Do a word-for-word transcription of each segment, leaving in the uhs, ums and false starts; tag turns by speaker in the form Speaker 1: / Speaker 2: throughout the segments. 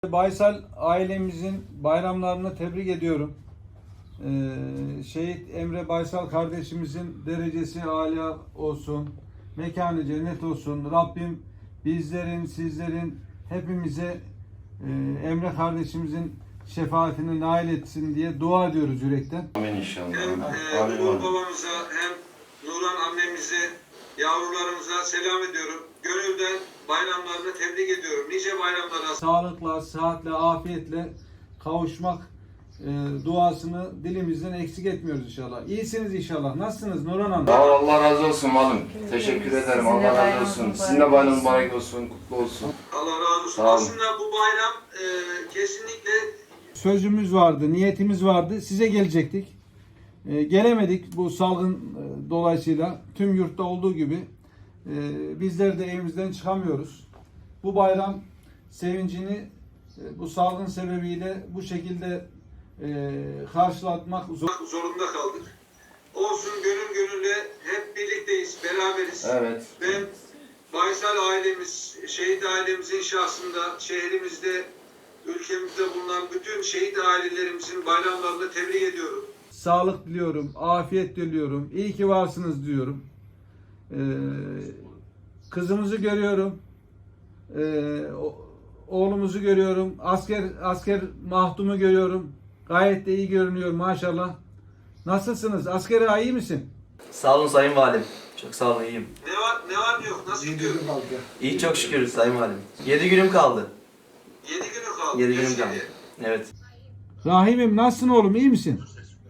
Speaker 1: Baysal ailemizin bayramlarını tebrik ediyorum. Ee, Şehit Emre Baysal kardeşimizin derecesi âlâ olsun, mekanı cennet olsun. Rabbim bizlerin, sizlerin, hepimize e, Emre kardeşimizin şefaatini nail etsin diye dua ediyoruz yürekten.
Speaker 2: Amin inşallah.
Speaker 3: Hem e, Uğur babamıza hem Nuran annemize, yavrularımıza selam ediyorum. Gönülden bayramlarını tebrik ediyorum. Nice bayramlara.
Speaker 1: Sağlıkla, sıhhatle, afiyetle kavuşmak e, duasını dilimizden eksik etmiyoruz inşallah. İyisiniz inşallah. Nasılsınız Nurhan Hanım?
Speaker 2: Sağ ol, Allah razı olsun malum. Teşekkür ederim. Allah razı olsun. Sizin de bayram mübarek olsun, kutlu olsun.
Speaker 3: Allah razı olsun.
Speaker 2: Sağ olun.
Speaker 3: Aslında bu bayram e, kesinlikle
Speaker 1: Sözümüz vardı, niyetimiz vardı. Size gelecektik. E, gelemedik bu salgın e, dolayısıyla. Tüm yurtta olduğu gibi e, bizler de evimizden çıkamıyoruz. Bu bayram sevincini e, bu salgın sebebiyle bu şekilde e, karşılatmak zor.
Speaker 3: zorunda kaldık. Olsun, gönül gönülle hep birlikteyiz, beraberiz.
Speaker 2: Evet.
Speaker 3: Ben Baysal ailemiz, şehit ailemizin şahsında şehrimizde, ülkemizde bulunan bütün şehit ailelerimizin bayramlarını tebrik ediyorum.
Speaker 1: Sağlık diliyorum, afiyet diliyorum. İyi ki varsınız diyorum. Ee, kızımızı görüyorum. Ee, oğlumuzu görüyorum. Asker asker Mahtum'u görüyorum. Gayet de iyi görünüyor maşallah. Nasılsınız? Askere iyi misin?
Speaker 4: Sağ olun Sayın Valim. Çok sağ olun, iyiyim.
Speaker 3: Ne var ne var ne yok, nasıl gidiyor?
Speaker 4: İyi, çok şükür Sayın Valim. Yedi günüm kaldı.
Speaker 3: Yedi günü kaldı.
Speaker 4: Yedi günüm
Speaker 3: Keşke.
Speaker 4: kaldı. Evet.
Speaker 1: Rahim'im nasılsın oğlum? İyi misin?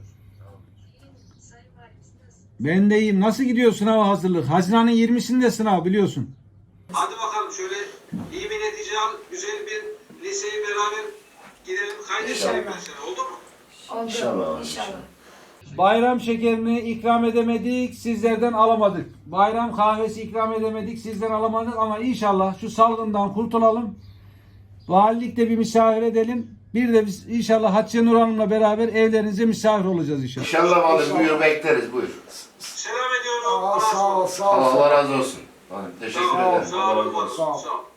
Speaker 1: Ben de iyiyim. Nasıl gidiyor sınava hazırlık? Haziran'ın yirmisinde sınav biliyorsun.
Speaker 3: Hadi bakalım şöyle iyi bir netice al, güzel bir liseyi beraber gidelim, kaydedelim mesela, oldu mu?
Speaker 5: Oldu.
Speaker 2: İnşallah.
Speaker 5: İnşallah.
Speaker 1: Bayram şekerini ikram edemedik, sizlerden alamadık. Bayram kahvesi ikram edemedik, sizden alamadık ama inşallah şu salgından kurtulalım. Valilikte bir misafir edelim. Bir de biz inşallah Hatice Nur Hanım'la beraber evlerinize misafir olacağız inşallah.
Speaker 2: İnşallah malum, buyur bekleriz, buyur.
Speaker 3: Selam ediyorum.
Speaker 6: Aa, sağ ol, sağ ol.
Speaker 2: Allah razı olsun. Malum, teşekkür
Speaker 3: Sağ ol,
Speaker 2: ederim.
Speaker 3: sağ
Speaker 2: Allah
Speaker 3: ol,
Speaker 2: razı olsun.
Speaker 3: sağ ol.